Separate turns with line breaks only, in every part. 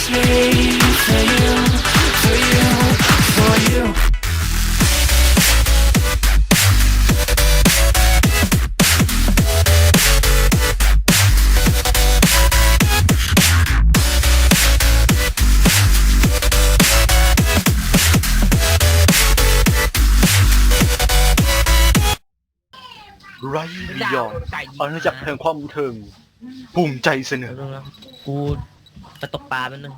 me for you, for you, for you.
ไรบิยอนอาณาจักรแห่งความบันเทิงภูมิใจเสนอ
แล้วกูไปตกปลาแป๊บนึง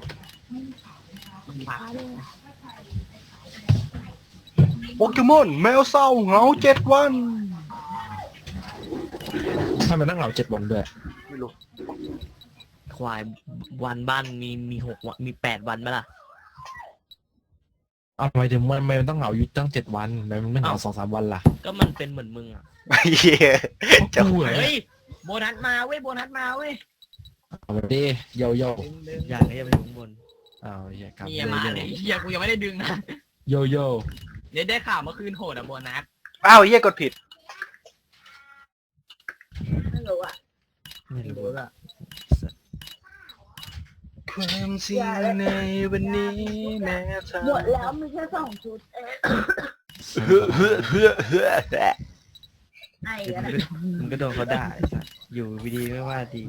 โปเกมอนแมวเศร้าเหงา7 วัน
ทำไมต้องเหงา7 วันด้วย
ไม่รู้
ควายวันบ้านมี6 วันมี8 วันไหมล่ะ
ทำไมถึงมันต้องเหงาอยู่ตั้ง7 วันทำไมมันไม่เหงา
อ้าว
2-3 วันล่ะ
ก็มันเป็นเหมือนมึงอ่ะ
ไอ้เหี้ยจะ
กูเหรอ
เฮ้ยโบนัสมาเว้ยโบนัสมาเว้ย
เอาไปดิโยโย่
ดึง
อย่างนี้จะไปถึงข้างบน
อ้าวเหี้ยครับ
เมียมาเลยเฮียกูยังไม่ได้ดึงนะ
โยโย่
เดี๋ยวได้ข่าวเมื่อคืนโหดอะโบนัส
อ้าวเหี้ยกดผิด
ไม่รู้อ่ะ
ไม่รู้
อะ
ความเสี่ยงในวันนี้แม้เธอ
หมดแล้วมีแค่2 ชุดเอง
เฮ้อเฮ้อเฮ้อเฮ้อเฮ้อ
ไอ้กันนะ
มึงก็โดนเขาด่าไอ้สัสอยู่ดีๆไม่ว่าดี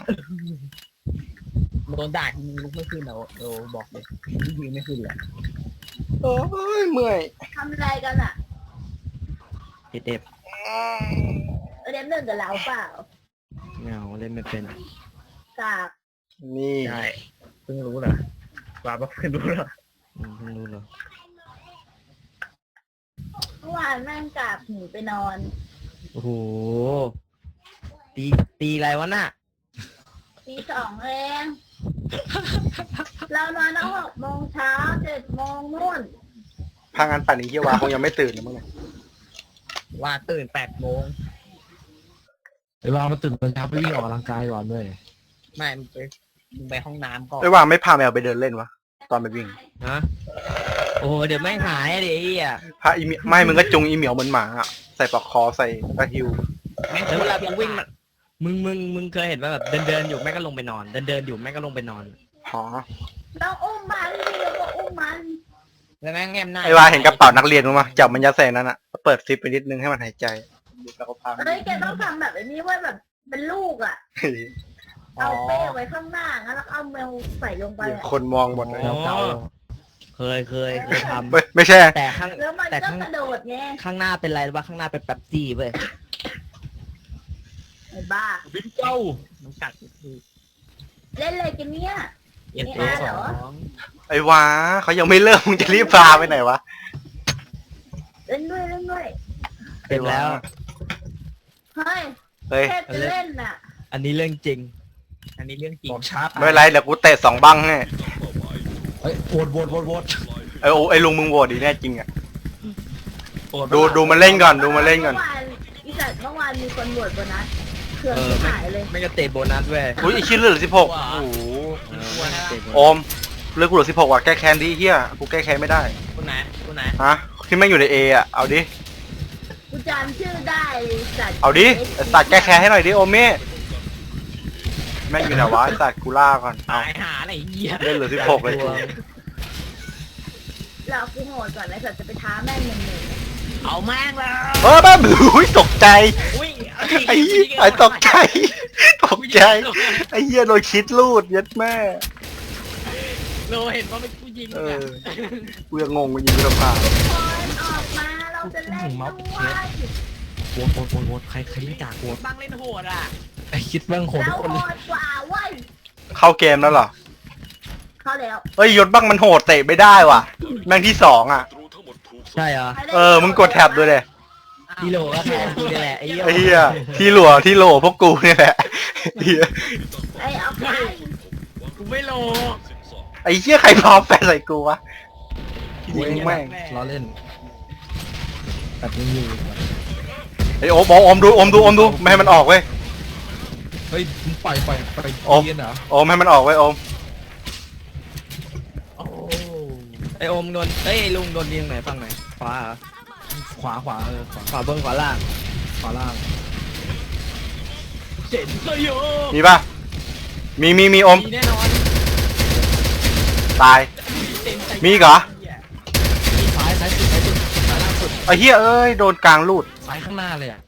โดนด่าทีนึงลุกไม่ขึ้นเอาโดบอกเลยยืนไม่ขึ้นเลย
โอ้ยเมื่อย
ทำอะไรกันอ่ะ
เด็ดเด็บ
เล่นหนึ่งกับเราเปล่า
เงาเล่นไม่เป็น
กาก
นี่
ใช่เพิ่งรู้เหรอว่าเพิ่งรู้เหรอ
เพิ่งรู้เหรอ
เมื่อวานแม่งกากหนีไปนอน
โอ้โหตีอะไรวะน่ะ
ตี 2เองเรานอนตั้ง6 โมงเช้า7 โมงนู่น
พางานปั่นนี้เหี้ยวาคงยังไม่ตื่นนะมึงเนี่ย
ว่าตื่น8 โมง
ไอ้วางมาตื่นตอนเช้าไปวิ่งออกกำลังกายก่อนด้วย
ไม่มึงไปห้องน้ำก่อน
ไอ้วางไม่พาแมวไปเดินเล่นวะตอนไปวิ่ง
ฮะโอ้โหเดี๋ยวแม่งหายดิไอ้เหี้ย
พาอีเมียไม่มึงก็จุงอีเหมียวเหมือนหมาอะใส่ปลอกคอใส่กระหิว
แล้วเวลากูวิ่งมันมึงเคยเห็นว่าแบบเดินอยู่แม่งก็ลงไปนอนเดินอยู่แม่งก็ลงไปนอน
หอ
เราอุ้มมันเราก็อุ้มมัน
แล้วแม่งแง้มหน้า
ไอ้วาเห็นกระเป๋านักเรียนมั้ยจับมันยัดใส่นั้นอะเปิดซิปไปนิดนึงให้มันหายใจแล้วก็พามัน
เฮ้ยแกต้องทำแบบนี้ไว้แบบเป็นลูกอ่ะ เอาเป้ไว้ข้างหน้างั้นแล้วเอาแมวใส่ลงไปอะ
คนมองหมดเลย
อ๋อ
แล้วเก่า
เคยท
ไม่ใช่
ำแต่ข้าง
แล้วมัน
แต่
ก็
ข้าง
กระโดดไง
ข้างหน้าเป็นไรวะข้างหน้าเป็นแป๊บซี่เว้ย
ไอ้บ้า
บิ๊กเจ้า
มันกัดคือ
เล่นอะไรกันเนี่ย
เอ็น
ไม่
ตัว
เอา
ส
เหร
อ
อ
ง
ไอ้วาเขายังไม่เริ่มมึงจะรีบพาไปไหนวะ
เล่นด้วยเล่นด้วย
เต็มแล้ว
เฮ้ย
เฮ้ย
แค่จะเล่นน่ะ
อันนี้เรื่องจริง
อันนี้เรื่องจริง
บอกชาร์จ
ไม่เป็นไรเดี๋ยวกูเตะ2 บังให้
เฮ้ยโหวต
ไอ้ลุงมึงโหวตดีแน่จริงอะดูมันเล่นก่อนดูมันเล่นก่อน
เมื่อวานอีสัตว์เมื่อวานมีคนบวชบนนั้นเครื่อง
ไม่
หายเลย
ไม่ก็เตะโบนัสเว้ย
อุ้ยอีกชิ้นเหลือ16โอ้โห
เตะโบ
โอ
นัส
มเลือกกูเหลือ16ว่ะแก้แค้นดิเฮียกูแก้แค้นไม่ได้
คุณไหนคุณไหน
ฮะที่แม่งอยู่ในเออะเอาดิ
กูจำชื่อได้เลยสัตว์
เอาดิไอ้สัตว์แก้แค้นให้หน่อยดิโอเม่แม่งอยู่ไหนวะไอ้สัตว์กูล่าก่อนเอา
ตายหาอะไรเหี้ย
เล่นเหลือ16เลยกู
เรากูโหดก่อนไอ้สัตว์จะไปท้าแม่งหนึ่ง
เอาแม่งแล้ว
บ้าอุ้ยตกใจ
อุ้ย
ไอ้ตกใจตกใจไอ้เหี้ยโดนคิดลูดยัดแม่
โลเห็นว่าเป็นผู้หญิง
เอ
เนี่ย
อกูยังงงกูยิงกระพา
คนออกมาเราจะเล่นด้วย
โหวตใครไม่ด่าโหวต
บังเล่นโหดอ่ะ
ไอ้คิดบ้างโหด
เรา
ทุกคน
โห
เลย
ดกว่าเว้ย
เข้าเกมแล้วเหรอ
เขาแล้ว
เอ้ยยศบ้างมันโหดเตะไม่ได้ว่ะแม่งที่2อ่ะ
ใช่เหรอ
มึงกดแท็บด้วยเลย
ที่โหลก็แทนกูนี่แหละไอ้เหี้ย
ไอ้เหี้ยที่โหลพวกกูเนี่ยแหละเหี้ย
ไอ้เอาไป
กูไม่โล
ไอ้เหี้ยใครพร้อมแฟนใส่กูวะยิงแม่ง
ล้อเล่นแบบนี้อยู่
ไอ้โอมดูไม่ให้มันออกเว้ย
เฮ้ยมึงปล่อย
โอ้
เย็นเหรอ
โอมให้มันออกเว้ยโอม
โอ้
ไอโอมโดนเอ้ยลุงโดนยิงไหนฝั่งไหนขวาเหรอ
ขวาขวา
ขวาบนขวาล่าง
ขวาล่าง
เจ๋งเลยโย
มีป่ะมีโอม
มีแน่นอน
ตายมีอีกเหรอ
ซ้ายสุดซ้ายล่างสุด
ไอ้เหี้ยเอ้ยโดนกลางลูด
ซ้ายข้างหน้าเลยอ่ะ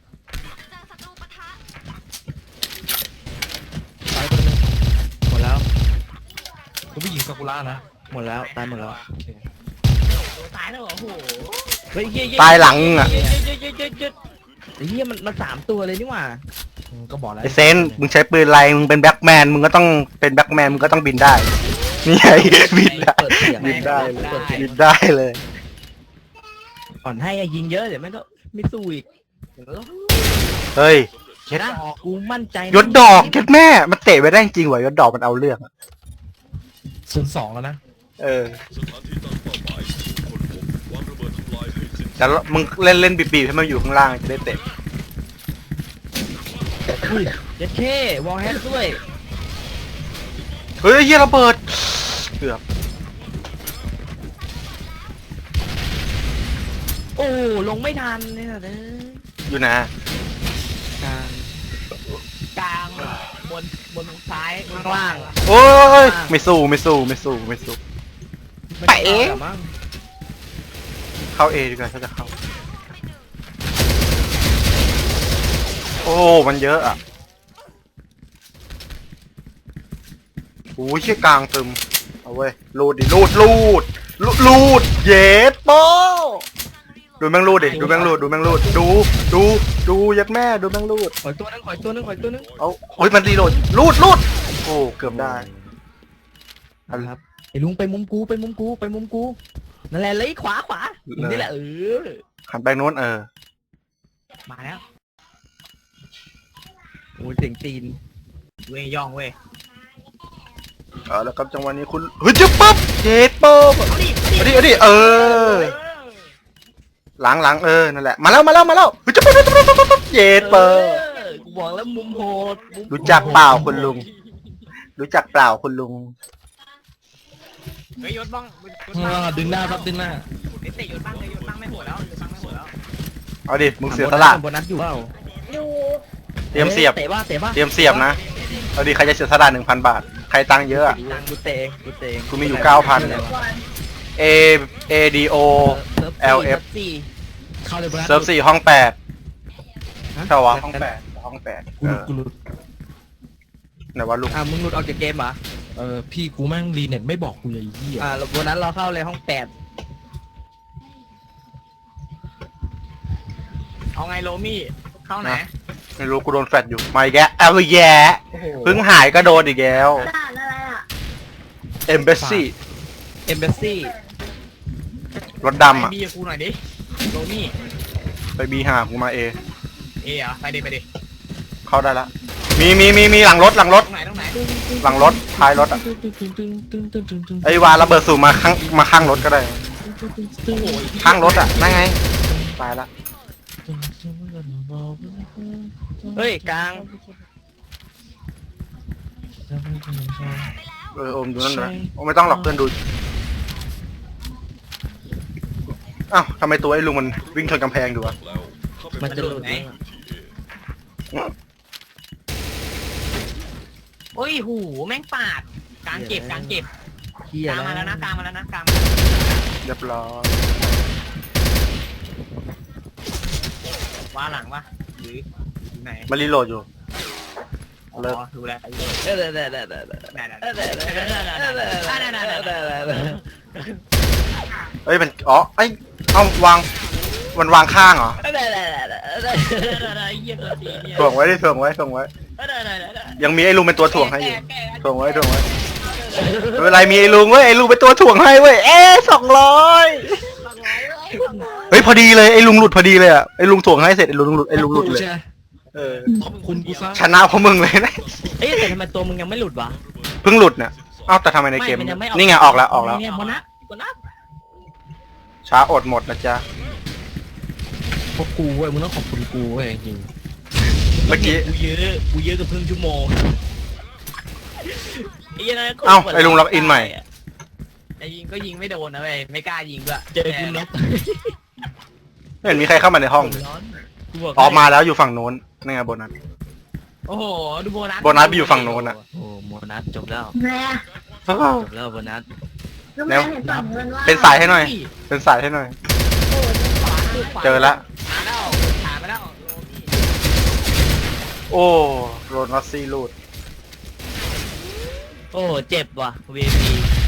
ซ้ายตัวนึง
หมดแล้ว
ตัวผู้หญิงซากุระนะ
หมดแล้วตายหมดแล้ว
ตายแล้วเหรอโอ้โห
เฮ้ยเหี้ย
ตายหลังอ่ะ
เหี้ยมันสามตัวเลยนี่หว่า
ก็บอกแล้ว
ไอเซนมึงใช้ปืนอะไรมึงเป็นแบ็คแมนมึงก็ต้องเป็นแบ็คแมนมึงก็ต้องบินได้นี่ไงบินได้
เปิดเสียง
บินได้
เปิดเสียง
บินได้เลย
อ่อนให้อะยิงเยอะเดี๋ยวแม่งก็ไม่สู้อีก
เฮ้ย
เห็นนะกูมั่นใจนะ
ยศดอกเก็ดแม่มันเตะไปได้จริงวะยศดอกมันเอาเรื่องอะ
02แล้วนะ
เออแต่มึงเล่นบีบให้มันอยู่ข้างล่างจะได้เตะ
อุ้ยเจ็ดเควอลแฮกด้วย
เฮ้ยเหี้ยระเบิดเกือบ
โอ้ลงไม่ทันเนี่ยนะ
อยู่นะ
กลาง
กลางบนซ้าย
ข้างล่าง
โอ้ยไม่สู้ไม่สู้ไม่สู้ไม่สู้ ไปเอง
มั้ง
เข้าเอดีกว่าถ้าจะเข้าโอ้มันเยอะอ่ะโอ้ยเชี่ยกลางตึมเอาเว้ยลูดดิลูดเย็ดโป้ดูแม่งลูดดิดูแม่งลูดดูยัดแม่ดูแม่งลูด
ขอยตัวนึงขอยตัวนึงขอยตัวนึง
เอาโอ้ยมันรีโหลดลูดโอ้เกือบได้อัน
ครับไอ้ลุงไปมุมกูนั่นแหละเลยขวาอย่างนี่แหละ
หันไปโน้น
มาแล้วโอ้ยเสียงตีน
เว้ยย่องเว้ย
แล้วครับจังหวะนี้คุณเฮ้ยจะปั๊บเจ็ดป๊บเอาดิหลังนั่นแหละมาแล้วเฮ้ยจะปั๊บเจ็ดป๊บ
กูบอกแล้วมุมโหด
รู้จักเปล่าคุณลุงรู้จักเปล่าคุณลุง
เฮ้ยยศบ้าง
ดึงหน้าครับดึงหน้า
เตะยศบ้างเลยยศบ้างไม่โหดแล้วยศบ้างไม่โหดแล้ว
เอาดิมึงเสียสละ
โบนัสอยู่เปล่า
อยู่
เตรียมเสียบ
เตะป่ะ
เตรียมเสียบนะเอาดิใครจะเสียสละ 1,000 บาทใครตังค์เยอะอะ
ตังกูเตะเอง
กูมีอยู่ 9,000
ก่อน
A A D O LF
เข้าเลย
เซิร์ฟ4ห้อง8ใช่วะห้อง8
กูหลุด
ไหนวะลุง
มึงหลุดออกจากเกมเหรอ
พี่กูแม่งรีเน็ตไม่บอกกูเลยไอ้เหี้ย
โบนัสเราเข้าเลยห้อง8
เอาไงโรมี่เข้าไหน
ไม่รู้กูโดนแฟดอยู่มาอีกแล้วเอาอีกแย่เพิ่งหายก็โดนอีกแล้ว
ด่านอะไรอ่ะ
Embassy
เอมเบสซี่
รถดำอ่ะ
ไปบีกับกูหน่อยดิโรมี่
ไปบีหากูมาเอ
เหรอไปดิ
เข้าได้ละมีหลังรถ
ตรงไหน
หลังรถท้ายรถอ่ะไอ้วาระเบิดสูบมาข้างรถก็ได้
โอ้โห
ข้างรถอ่ะนั่นไงตายละ
เฮ้ยกลาง
โอมดูนั่นนะไม่ต้องหรอกเพื่อนดูอ้าวทำไมตัวไอ้ลุงมันวิ่งชนกำแพงดูวะ
มันจะหลุดไหม
โอ้ยหูแม่งปาดกลางเก็บ
เฮีย
กลางมาแล้วนะกลางมาแล้วนะกลาง
เรียบร้อย
ว่าหลังวะหรือไหน
มารีโหลดอยู่
เลิกดูแล
เอ้ยมันไอ้เอาวางมันวางข้างเหรอถ่วงไว้ยังมีไอ้ลุงเป็นตัวถ่วงให้อยู่ถ่วงไว้ไม่เป็นไรมีไอ้ลุงเว้ยไอ้ลุงเป็นตัวถ่วงให้เว้ย200เฮ้ยพอดีเลยไอ้ลุงหลุดพอดีเลยอ่ะไอ้ลุงถ่วงให้เสร็จไอ้ลุงหลุดเลย
ขอบคุณกูซะ
ชนะเพราะมึงเลยนะ
เอ้ยแต่ทำไมตัวมึงยังไม่หลุดวะ
เพิ่งหลุดเนี่ยเอ้าแต่ทำไมในเกมนี่ไงออกแล้ว
เนี่ยโบนัส
ช้าอดหมดนะจ๊ะ
พวกกูเว้ยมึงต้องขอบคุณกูเว้ยจริง
เมื่อกี้
กูเยอะกับครึ่งชั่วโมง
เอ้าไอ้ลุงล็อกอินใหม่
ไอ้ยิงก็ยิงไม่โดนนะเว้ยไม่กล้ายิงด้วย
เจอกูน็อก
ไม่เห็นมีใครเข้ามาในห้องเลยออกมาแล้วอยู่ฝั่งโน้นนี่ไงโบนัส
โอ้โหดูโบนัส
โบนัสไปอยู่ฝั่งโน้นอ่ะ
โอ้โบนัสจบแล้ว
แม่
จบแล้วโบนัส
ลูกแมวเห็นฝั่งเงินว่า
เป็นสายให้หน่อย เป็นสายให้หน่อย
โอ้ยขวา
เจอละ
มาแล้วถามมาแล้วโลพี่
โอ้โรนัสซี่ลูด
โอ้เจ็บว่ะ VIP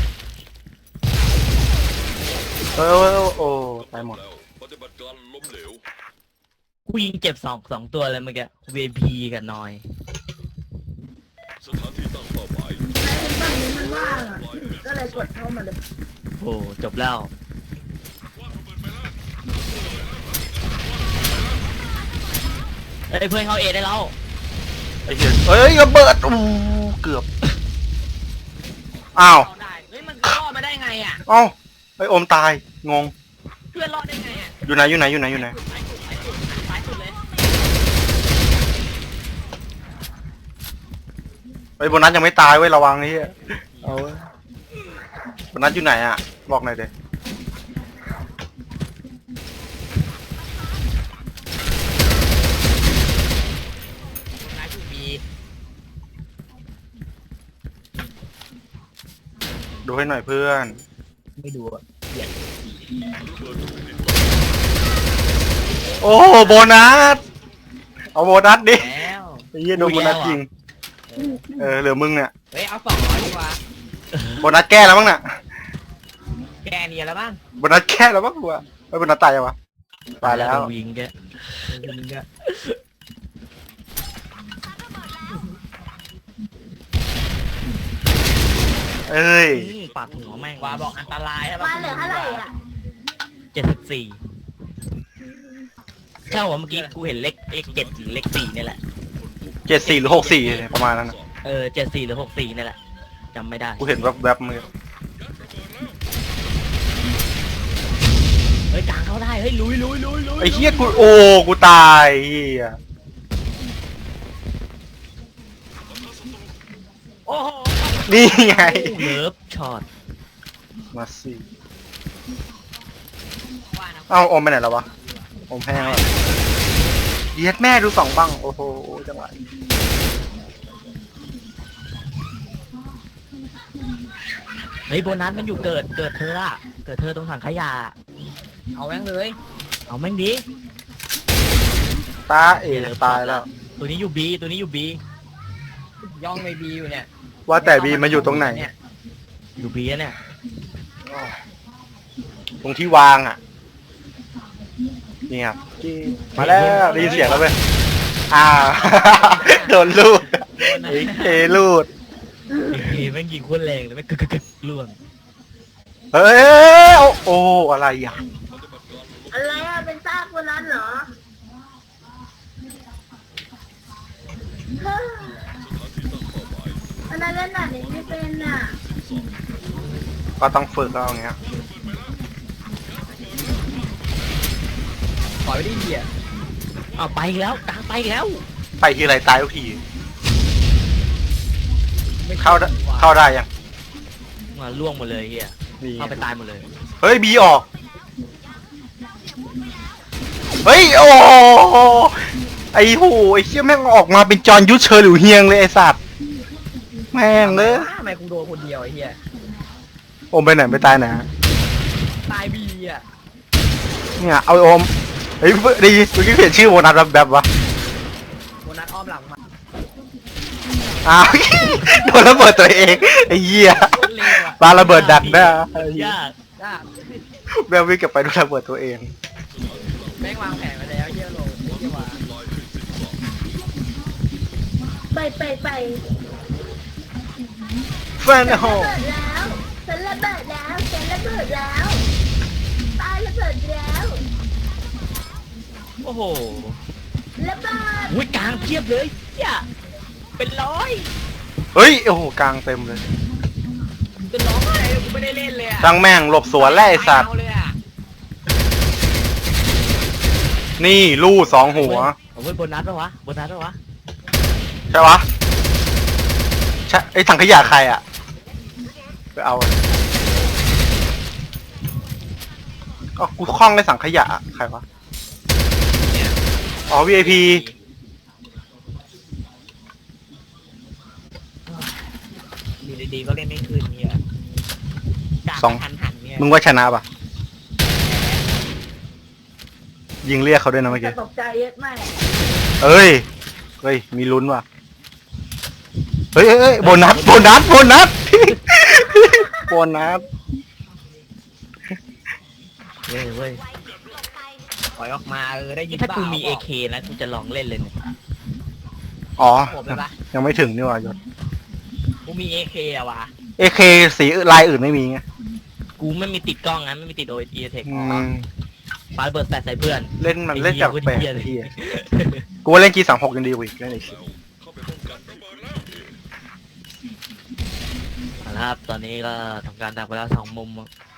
โอ้ตายหมด
ปฏิบัติการล้มเหลว
กูยิงเจ็บสองตัวเลยเมื่อกี้ VIP กับนอย
สถานที่ตั้งเป้าหมาย
ฝั่งนี้มันว่างอ่ะก็เลยกดเข้ามาเลย
โอ้จบแล้ว เอ้ยเพื่อนเขาเอได้แล้ว
ไอ้เหี้ยเอ้ยระเบิดอู้เกือบ อ้าว
รอดได้เฮ้ยมันรอดมาได้ไงอ่ะ
เอ้าไอ้โอมตาย งง
เพื่อนรอดได้ไงอ่ะ
อยู่ไหน อยู่ไหน อยู่ไหน อยู่ไหน
สายสุดเลย
ไอ้โบนัสยังไม่ตายเว้ยระวังไอ้เหี้ยเอาเว้ยโบนัสอยู่ไหนอ่ะ บอกหน่อยเด้
สายสุดมี
ดูให้หน่อยเพื่อน
ไม่ดูอะ
โอ้โบนัส เอาโบนัสดิ
แล้ว
ไอ้เหี้ยโดนโบนัสยิง เหลือมึงเนี่ย
เฮ้ยเอา200ดีกว่า
โบนัสแก้แล้วมั้งน่ะ
แกเนียแล้วบ้าง
โบนัสแก้แล้วมั้งกูอะไอ้โบนัสตายยังวะ ตายแล้ว
ยิงแกยิงแก
เอ้ย
ปัดหัวแม่งว่าบอกอันตรายใช่ปะ
มาเหลือเท่าไหร่อ่ะ
74ใช่ว่าเมื่อกี้กูเห็นเลข7หรือเลข4นี่แหละ
74 หรือ 64 ประมาณนั้นน่ะ
74หรือ64นี่แหละจำไม่ได้
กูเห็นแวบๆมือ
เฮ้ยกลางเข้าได้เฮ้ยลุย
ไอ้เหี้ยกูโอ้กูตายเหี้ย
โอ้โห
นี่ไง
เลิฟช็อต
มาสิ
ว่านะ
เอ้าอมไปไหนแล้ววะอมแห้งแล้วเดียดแม่ดู2บังโอ้โหจังหวะ
เฮ้ยโบนัสมันอยู่เกิดเธออะเกิดเธอตรงถังขยะ
เอาแม่งเลย
เอาแม่งดิ
ตาเอ๋ตายแล้ว
ตัวนี้อยู่บีตัวนี้อยู่บี
ย่องไปบีอยู่เนี่ย
ว่าแต่บีมาอยู่ตรงไหน
เนี่ย
อยู่บีเนี่ย
ตรงที่วางอ่ะนี่ครับมาแล้วได้ยินเสียงแล้วเว้ยอ้าว โดนลูดไอ้เคลูด
เฮ้ยแม่งยิงโคนแรงเลยแม่งกึกล่วง
เฮ้ยโอ้อะไรอ่ะ
อะไรอ่ะเป็นซากคนนั้นเหรอเฮ้ยอันนั้นเล่นหนักนี้ไม่เป็นอ่ะ
ก็ต้องฝึกก็เอาอย่างเงี้ย
ถอยไปดิเหี้ย
เอาไปอีกแล้วกลางไปอีกแล้ว
ไปทีไรตายทุกที
ไม่
เข้าได้เข้าได้ยัง
มาล่วงหมดเลยเฮีย
นี่
เข้าไปตายหมดเลย
เฮ้ยบีออก เฮ้ยโอ้ไอ้โหไอ้เชี่ยแม่งออกมาเป็นจอห์นยุทธเชอร์หลิวเฮียงเลยไอ้สัตว์แม่งเลย
ทำไมกูโดนคนเดียวไอ้เหี้ย
โอมไปไหนไปตายไหน
ตายบีอ่ะ
เนี่ยเอาโอมเฮ้ยดีเมื่อกี้เปลี่ยนชื่อโบนัสแบบวะ
โบนัสอ้อมหลังมา
อ้าว โดนระเบิดตัวเองไอ้เหี้ย
โคตรเร็วอ่ะ
ปาระเบิดดักได้
ยาก
จ้า
แบลวิ่งกลับไปโดนระเบิดตัวเอง
แม่งวางแผนไว้แล้วเหี้ยโลเหี้ยว่า
ไป
แฟนโฮ
ระเบิดแล้วฉันระเบิดแล้วฉันระเบิดแล้วตายระเบิดแล้ว
โอ้โห
ระเบิด
อุ้ยกลางเพียบเลยเฮียเป็นร้อย
เฮ้ยโอ้โหกลางเต็มเลย
จะร้องอะไรกูไม่ได้เล่นเลยอ่ะ
จังแม่งหลบสวนแล้วไอ้สัตว์
เอาเลยอ่ะ
นี่ลู่2 หัว
เอาไว้โบนัสปะวะโบนัสปะวะ
ใช่ปะใช่ไอ้ถังขยะใครอ่ะไปเอาก็กูคล้องในสังขยะอะใครวะอ๋อ VIP
อยู่ดีๆก็เล่นไม่ขึ้นเฮียกลาง
สอง
หันเนี่ย
มึงว่าชนะปะยิงเรียกเขาด้วยนะเมื่อ
จะ
กี้
ตกใจเยอะไหม
เอ้ยเฮ้ยมีลุ้นว่ะเฮ้ยโบนัสโบนัสโบนัส โบนัส
เว้ยเว้ย
ปล่อยออกมาได้ยิน
ถ้ากูมี
เปล่
AK นะกูจะลองเล่นเลยเนี่ย
อ๋อ
ผมเลยปะ
ยังไม่ถึงนี่หว่ายศ
กูมี AK อะวะ
AK สีลายอื่นไม่มีไง
กูไม่มีติดกล้องนะไม่มีติดโอเอเทค
อืม
ปาระเบิดแปดใส่เพื่อน
เล่นมันเล่นจาก
ไอ้
แปลก
เหี้ย
ไอ้เหี้ยกูว่าเล่น G36 ยังดีกว่าอีกเล่นอีก
เข้าไปป้องกันระเบิดแล้ว
นะครับตอนนี้ก็ทำการดักไปแล้ว2 มุม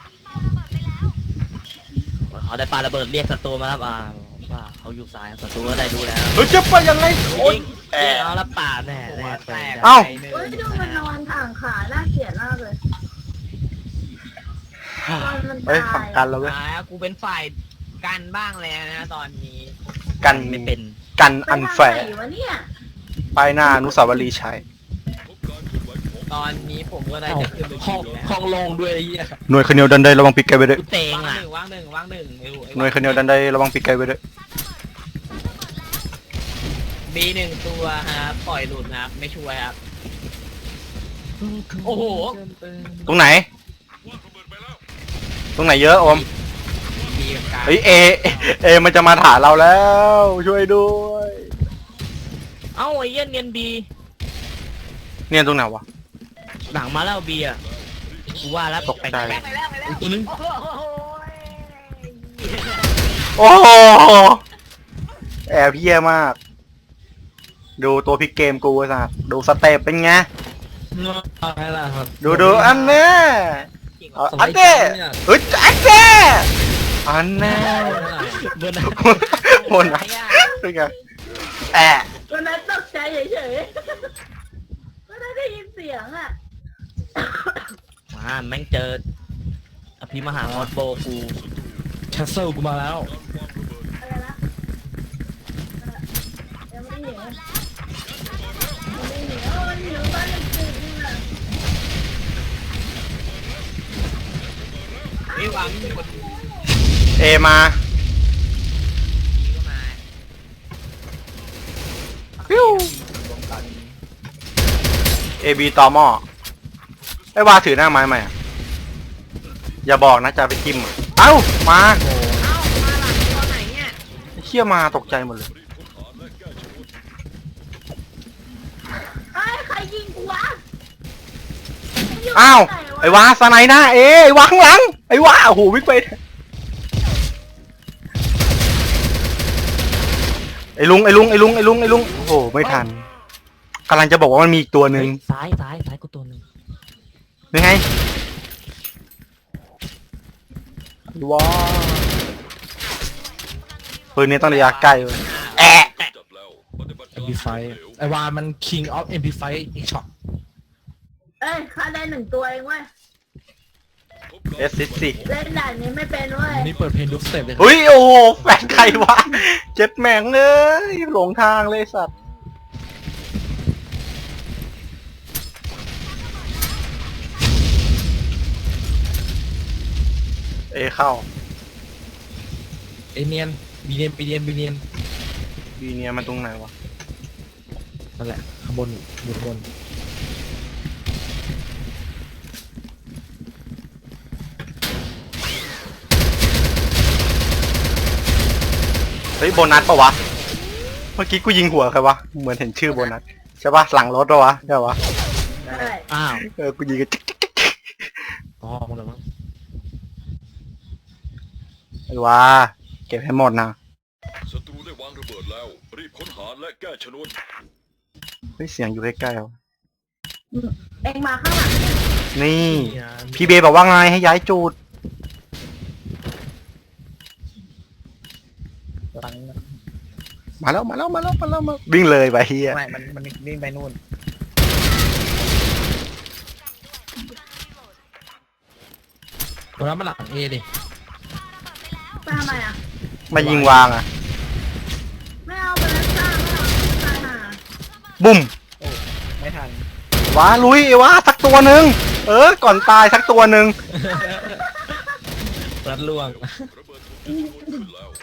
เขาได้ปาระเบิดเรียกศัตรูมาครับว่าเขาอยู่ซ้ายศัตรูก็ได้ดูแล้ว
เฮ้ยจะไปยังไงโอ๊ย
เอาละป่าแน่แน่
แตก
เอ้า
ไปหนึ่ง
เฮ้ยดูมันนอนถ่างขาน่าเกลียดมากเลยนอนมัน
เฮ้ย
ตา
ฝั่ง
ย
กันแล้วเว้ย
กูเป็นฝ่ายกันบ้างแล้วนะตอนนี้
กัน
ไม่เป็น
กัน
ไป
อัน
ทาง
แฝ
ไห
ง
นวะเนี่ย
ป้ายหน้าอนุสาวรีย์ชัย
พบการเคลื่อนไหวของ
ตอนนี้ผมก็ได้จะขึ้นไป
ห้อง
แล้ว
ห้องโลงด้วยไอ้เหี้ย
หน่วยคเนียวดันไดระวังปีกไกลไปด้วย
กูเตง
ว่าง
อ่ะ
หนึ่งว่างหนึ่งว่างหนึ่งไม่รู้
หน่วยคเนียวดันไดระวังปีกไกลไปด้วย
มีหนึ่งตัวครับปล่อยหลุดนะครับไม่ช่วยครับโอ้โห
ตรงไหน
ว่างระเบิดไปแล้ว
ตรงไหนเยอะโอม
ดีกับการ
เฮ้ยเอมันจะมาถาเราแล้ว ช่วยด้วย
เอ้าไอ้เหี้ยเนียนบี
เนี่ยตรงไหนวะ
หลังมาแล้วบีอ่ะกูว่าแล้ว
ตกใจ
แปลก
ไปแล้วไปแล้ว
ตัวนึง
โอ้โห
โอ้โหแอบเยี่ยมาก ดูตัวพลิกเกมกูไอ้สัสดูสเต็ปเป็นไง
อะไรล่ะครับ
ดูอันเนี้ยเอาอันเนี้ยเฮ้ยอันเนี้ยอันเนี้ย
เบอร์นะ
โหนนะเป็นไงแอะ
วันนั้นตกใจเฉยๆก็ได้ยินเสียงอ่ะ
มาแม่งเจออภิมหาฮอตโบกู
แคสเซิลกูมาแล้ว
อะไรนะยังไม่ได้เห็นยังไม่เห็นโอ้ยอยู่บ้านจริงๆอ่ะ
ไม่หวังมีคนดี
เอมา
ก็มา
ฟิวเอบีตอหม้อไอ้วาถือหน้าไม้ไหมอะอย่าบอกนะจะไปจิ้มอะเอ้ามา
เอ้ามาหลังตัวไหนเนี่ย
ไอ้เชี่ยมาตกใจหมดเลย
เอ้ยใครยิงกูวะ
อ้าวไอ้วาสไนหน้าไอ้วาข้างหลังไอ้วาโอ้โหวิ่งไปไอ้ลุงโอ้โหไม่ทันกำลังจะบอกว่ามันมีอีกตัวหนึ่ง
ซ้ายกูตัวหนึ่ง
ยังไงว้าปืนนี้ต้องระยะใกล้เว้ยแอะ
จับแล้วปฏิบัติการ
MP5 ไอ้วามัน King of MP5 อีกช็อต
เอ้ยข้าได้หนึ่งตัวเองเว้ย
พบการ
เอสซิสิ
เล่นด่านนี้ไม่เป็นเว้ย
นี่เปิดเพลงดูสเต็ปเลย
เฮ้ยโอ้โหแฟนใครวะเจ็ดแม่งเลยหลงทางเลยสัตว์เอเข้า
ไอเนียนบีเนียนบีเนียน
บีเนี่ยมันตรงไหนวะ
นั่นแหละข้างบนอยู่ข้างบน
เฮ้ยโบนัสปะวะเมื่อกี้กูยิงหัวใครวะเหมือนเห็นชื่อโบนัสใช่ปะหลังรถปะวะใช่ปะ
ใช่
อ้าว
กูยิงกันจิ๊ก
อ๋อหมดแล้วมั้ง
ไอ้วาเก็บให้หมดนะ
ศัตรูได้วางระเบิดแล้ว รีบค้นหาและแก้ชนวน
เฮ้ยเสียงอยู่ใกล้ๆวะ
เองมาข้างหลังเนี่ย
นี่ พี่เบย์บอกว่าไงให้ย้ายจูด มาแล้ววิ่งเลยไปเฮีย
ไม่มันวิ่งไปนู่น
คนนั้นมันหลังเอดิ
ไปทำไมอ่ะ
มายิงวางอ่ะ
ไม่เอาไปแล้วจ้าไม่เอาตายห่า
บุ้ม
ไม่ทัน
วาลุยไอ้วาสักตัวหนึ่งเอก่อนตายสักตัวหนึ่ง
รัดล่วง
ระเบิดถูกจุดโยนขึ้นแล้ว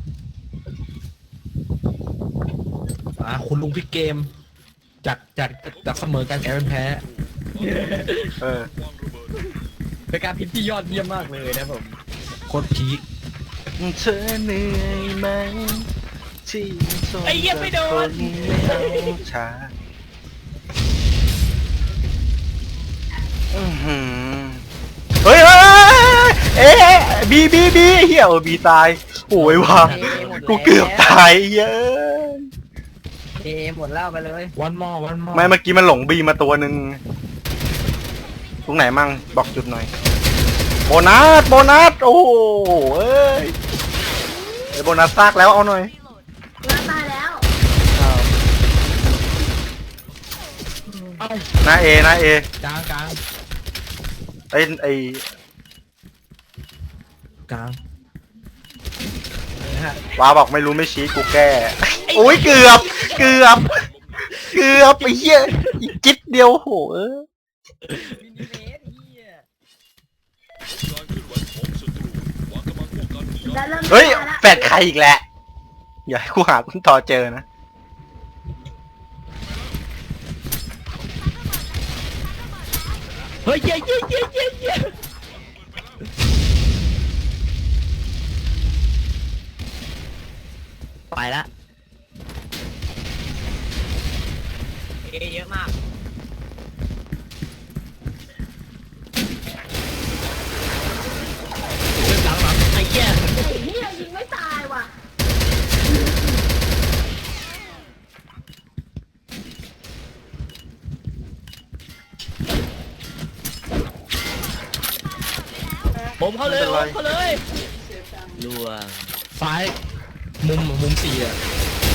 คุณลุงพลิกเกม จากเสมอกันกลายเป็นแพ้
เออ
วางระเบิด
เป็นการพิมพ์ที่ยอดเยี่ยมมากเลยนะผม
โคตรพีค
เธอเหนื่อยไหมที่ทน
ไอ้เหี้ยไม่โดน
ไม่เอาช้าอื้อหือเฮ้ยบีเฮียบีตายโอ้ยว่ะกูเกือบตายเหี้ย
เอหมดแล้วไปเลย
วันมอ
ไม่เมื่อกี้มันหลงบีมาตัวหนึ่งตรงไหนมั่งบอกจุดหน่อยโบนัสโอ้โหเอ้ยไอโบนัสซากแล้วเอาหน่อย
เราตายแล้ว
หน้าเอก
ลาง
ไอ
กลาง
ว้าบอกไม่รู้ไม่ชี้กูแก้โอ้ยเกือบไอ้เหี้ยอีกจิ๊ดเดียวโหเอ้ย
การเคลื่อนไหวของศัตรูวางกำลังป้องกันอย่าง
แล้วเริ่ม
เฮ้ย
ตาละ
แฟดใครอีกแหละอย่าให้กูหาคุณต่อเจอนะ
เฮ้ยเย้ไปละเยอะมากหลังไอ้เหี้ย
ไอ้เหี้ยยิงไม่ตายว่ะ
ผมเข้าเลยล่วง
ซ้ายมุม4อ่ะ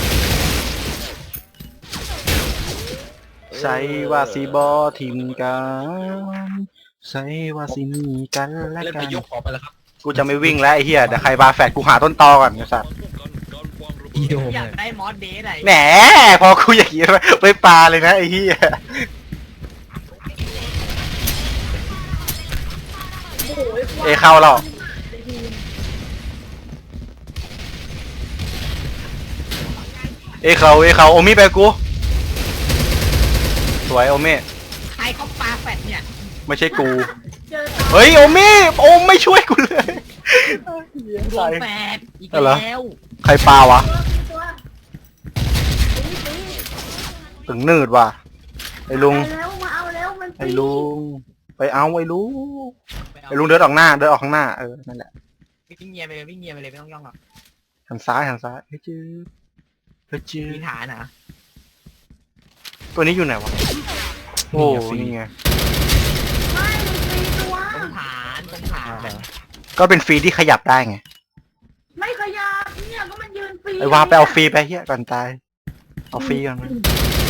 ใส่ว่าสีบอทีมกันใส่ว่าสีมีกันและ
เล่น
กั
ไป
น
ยกออกไปแล้วครับ
กูจะไม่วิ่งแล้วไอ้เหี้ยเดี๋ยวใครบาแฟดกูหาต้นตอก่อนไอ้สัส
ป้องกันการวางระเบิ
อี
ด
โดม
อยาก
เลย
ได้มอสเดย์ไหน
แหมพอกูอย่างงี้ไปปลาเลยนะไอ้เหี้ย
โอ้ย
เอเข้าแล้วเอเขาโอมิไปกูสวยโอมิ
ใครเขาปาแฟดเนี่ย
ไม่ใช่กู
เจอตา
เฮ้ยโอมิโอมไม่ช่วยกูเลย
ดวงแฟดอีก
อะไร
แล้ว
ใครปลาวะ
ตัวตี
ถึงนืดว่ะไอ้ลุง
ไปแล้วมาเอาแล้วมัน
ไอ้ลุงไปเอาไอ้ลุงเดินออกข้างหน้านั่นแหละ
วิ่งเงียบไปเลยไม่ต้องย่องหรอก
หันซ้ายเฮ้ยจืด
มีฐานนะ
ตัวนี้อยู่ไหนวะโอ้นี่ไง
ไม่ตีตัว
ตรงฐานแบบ
ก็เป็นฟรีที่ขยับได้ไง
ไม่ขยับเนี่ยก็มันยืนฟรี
ไอ้วาไปเอาฟรีไปเฮียก่อนตายเอาฟรีก่อนมัน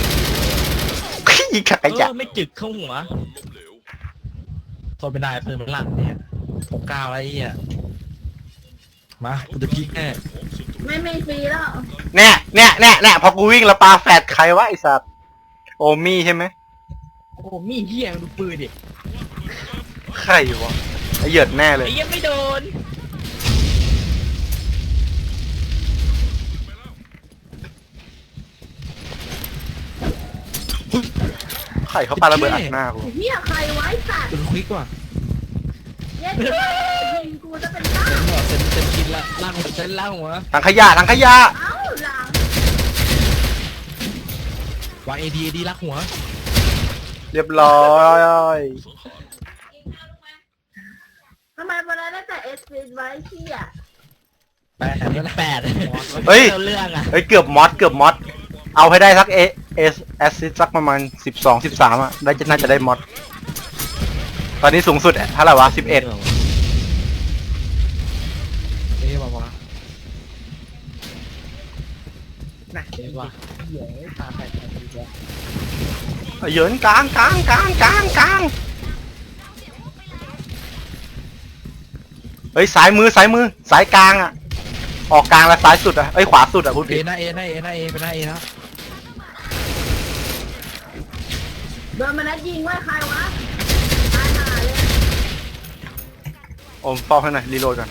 ยิงขยะ
ไม่จึกเข้าหัว
ล้มเหลว
ทนไม่ได้ปืนมันลั่นเนี่ย69แล้วไอ้เหี้ยมากูจะพีคแน่
ของศัตรู
ไม่ฟรีแล้ว
เนี่ยพอกูวิ่งแล้วปาแฟดใครวะไอ้สัตว์โอมี่ใช่ไหม
โอ้โหมีเหี้ยดูปืนดิ
ใครวะไอ้เหยิดแน่เลย
ไอ้ยังไม่โดน
ใครเขาปาระเบิดอัดหน้ากู
เนี่ยใครไว้สัตว์
ปืนควิกว่ะ
เย็ดยิงกูจะเป็นบ้า
เต็มกินละล่างหัวเส้นล่างหัว
ถังขยะ
เอ้าหลัง
วางเอดีลักหัว
เรียบร้อย
สังหาร
ทำไมวันนั้นได้แต่เอสพีไว้ที่อ่ะ
8แล้วนะ
เฮ้ย
เรื่องอ่ะ
เฮ้ยเกือบมอดเอาให้ได้สักเอแอสซิสสักประมาณ12-13อ่ะได้น่าจะได้มอดตอนนี้สูงสุดเท่าไหร่วะ11
เอ๊ะบอกว่า
นะ
เอ๊ะว่า
เหี้ยตาแฟดอีกแล้ว
เหยินกลางเฮ้ยซ้ายมือสายกลางอ่ะออกกลางแล้วซ้ายสุดอ่ะเอ้ยขวาสุดอ่ะพูด
เอ
ผิด
หน้าเอเป็นหน้าเอนะ
โดนมันนัดยิงว่าใครวะตายหา
อมเฝ้าให้หน่อยรีโหลดก่อน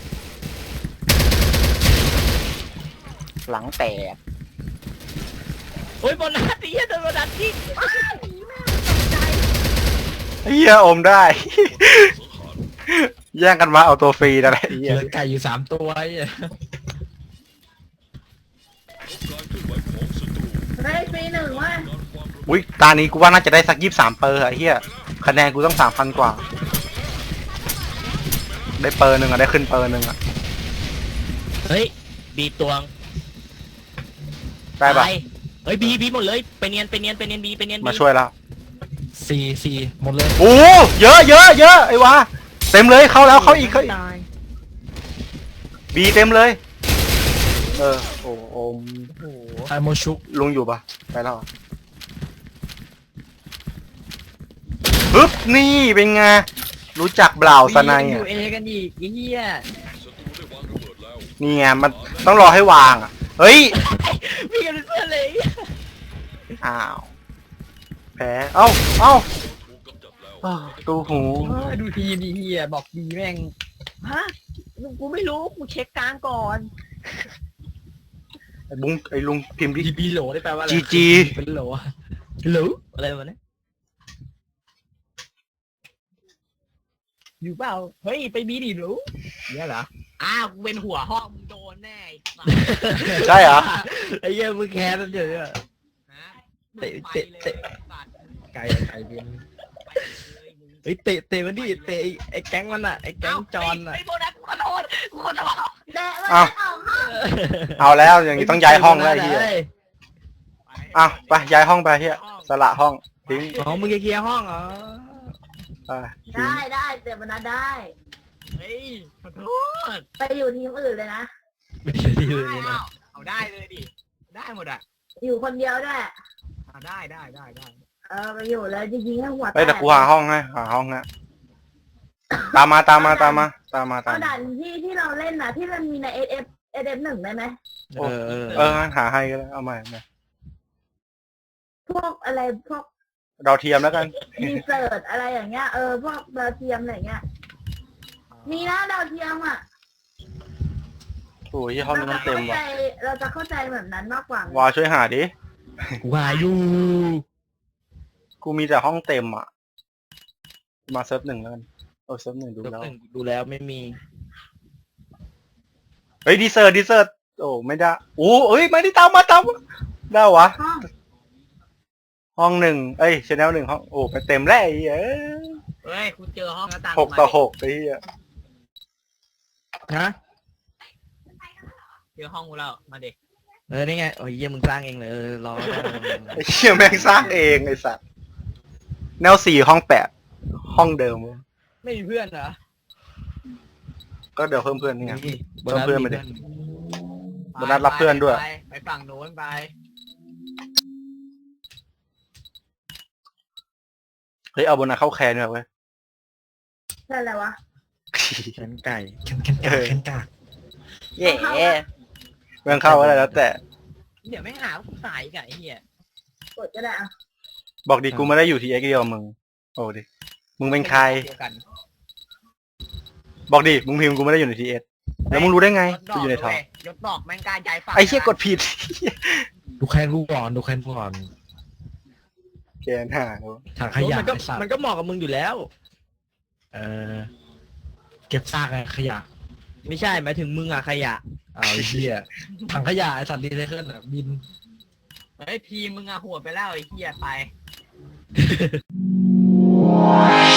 หลังแตก
โอ้ยบนนัดที่โดนบนนัดที่
เฮียอมได้ แย่งกันมาเอาตัวฟรีนั่นแหละ
เห
เฮีย
ลือไก่อยู่3 ตัวไอ้เหี้ย
การเคลื่อนไหวของศัตรู
ได้ฟรีหนึ่งว่ะ
การความระ
อุ้ยตานี้กูว่าน่าจะได้สัก23เปอร์อะไอ้เฮียคะแนนกูต้อง3,000กว่า ได้เปอร์หนึ่งอะได้ขึ้นเปอร์หนึ่งอะ
เฮ้ยบีตวง
ได้ปะ
ตายเฮ้ยบีหมดเลยไปเนียนบีไปเนียน
มาช่วยแล้ว
4 หมดเลย
โอ้เยอะเยอะเยอะไอ้วะเต็มเลยเข้าแล้วเข้าอีกเข้าอีก
ตาย
บีเต็มเลยโอ้โอม
โอ้โห
ไอโมชุก
ลุงอยู่ปะไปแล้วเหรอปึ๊บนี่เป็นไงรู้จักเบล่าสไน
อ
อ่ะ
ยู่เอกันอีกไอ้เหี้ย
ศัตรูได้วางระเบิดแล้ว
นี่ไงมันต้องรอให้วางอ่ะเฮ้ย
มีกันเป็นเพื่อนเลย
อ้าวแพ้เอ้า
ถูกกำจัดแล้ว
อ้าวตูหู
ดูทีมดีเฮียบอกดีแม่ง
ฮะกูไม่รู้กูเช็คกลางก่อน
ไอ้บุ้งไอ้ลุงพิมพ์ดิ
บีโหลได้แปลว่าอะไร
GG
เป็นโหล
หรืออะไรวะเนี่ย
อยู่เปล่าเฮ้ยไปบีดิรู้เนี่ยเหรอ
อ้าวกูเป็นหัวห้องมึงโดนแน่ไอ้สัส
ใช่เหรอ
ไอ้เหี้ยมึงแค้นนั่นเดี๋ยวเนี่ย
ฮะ
เตะเตะเตะ
ไก่บิน
เฮ้ยเตะมันดิเตะไอ้แก๊งมันอ่ะไอ้แก๊งจอนอ่ะ
ไอ้โบนัสกูขอโทษ
แดะมัน
อ้าว
ออกห้อง
เอาแล้วอย่างนี้ต้องย้ายห้องแล้วไอ้เฮียอ้าวไปย้ายห้องไปเฮียสละห้องทิ้ง
อ๋อมึงจะเคลียร์ห้องเหรอ
ไปทิ้ง
ได้แต่มันได้
เฮ้ยขอโทษ
ไปอยู่ทีมอื่นเลยนะ
ไม่ใช่ที่อื่นเลยนะ
เอาได้เลยดิได้หมดอ่ะ
อยู่คนเดียวด้วย
เอาได้
ไปอยู่แล้วจริงๆให้หัวแต
เฮ้ยแต่
ก
กูหาห้องให้หาห้องฮะตามมา
เอาด่านที่เราเล่นนะที่มันมีในSF1ได้ไหม
งั้นหาให้ก็ได้เอาใหม่
พวกอะไรพวก
เราเทียมแล้วกัน
รีเสิร์ชอะไรอย่างเงี้ยพวกดาวเทียมอะไรเงี้ยมีนะดาวเทียมอ่ะ
โอ้ยห้องนี้มันเต็มว่ะ
เราจะเข้าใจแบบนั้นมากกว่า
วาช่วยหาดิ
กูหาอยู่
กูมีแต่ห้องเต็มอ่ะมาเซิร์ฟ1แล้วกันเซิร์ฟ1ดู
เดี๋ยว
แล้ว
หนึ่งดูแล้วไม่มี
เฮ้ยดีเซอร์โอ้ไม่ได้โอ้เอ้ยไม่ได้ตามมาได้วะ
ห้อง
ห้อง1ชแนล1ห้องโอ้ไปเต็มแล้วไอ้เอ้ย
เฮ้ยคุณเจอห้องหน้าต่าง
6-6ไอ้เหี้ย
ฮะ
เจอห้องกูแล้วมาเด็ก
นี่ไงโอ้ยเยี่ยมึงสร้างเองเลยรอ
ไอ้เหี้ยแม่งสร้างเองไอ้สัตว์แนว4ห้อง8ห้องเดิม
ไม่มีเพื่อนเหรอ
ก็เดี๋ยวเพิ่มเพื่อนนี่ไง
บนนั้น
เพื่อน
มี
มาดิ
เพื่อน
โบนัสรับเพื่อนด้วย
ไปฝั่งโน้นไป
เฮ้ยเอาโบนัสเข้าแคนด้วยเว้ย
ใช่แล้ววะ
แขนไก่
แคนกาก
เย่เมืองเข้าอะไรแล้วแต่
เดี๋ยวไม่หาว่ากูสายอีกับไอ้เหี้ย
กดก็ได้อะ
บอกดิกูไม่ได้อยู่ที่เอ็กเดียวมึงโอ้ดิมึงเป็นใคร
เดียวกัน
บอกดิมึงพิมพ์กูไม่ได้อยู่ในทีเอสแล้วมึงรู้ได้ไง
ยศด
กู
อก
อยู่ในทอง
เว้ยยศดอกแม่งกล้าย้ายฝั่ง
ไอ้เหี้ยกดผิด
ดูแคนกูก่อนดูแคนกูก่อน
แกนหาเนอะ
ถังขยะ
มันก็
ไอ้สัตว์
มันก็เหมาะกับมึงอยู่แล้ว
เก็บซากไอ้ขยะ
ไม่ใช่หมายถึงมึงอะขยะ
เอาไอ้เหี้ยถังขยะไอ้สัตว์รีไซเคิลอะบิน
เฮ้ยทีมมึงอะหัวไปแล้วไอ้เหี้ยไป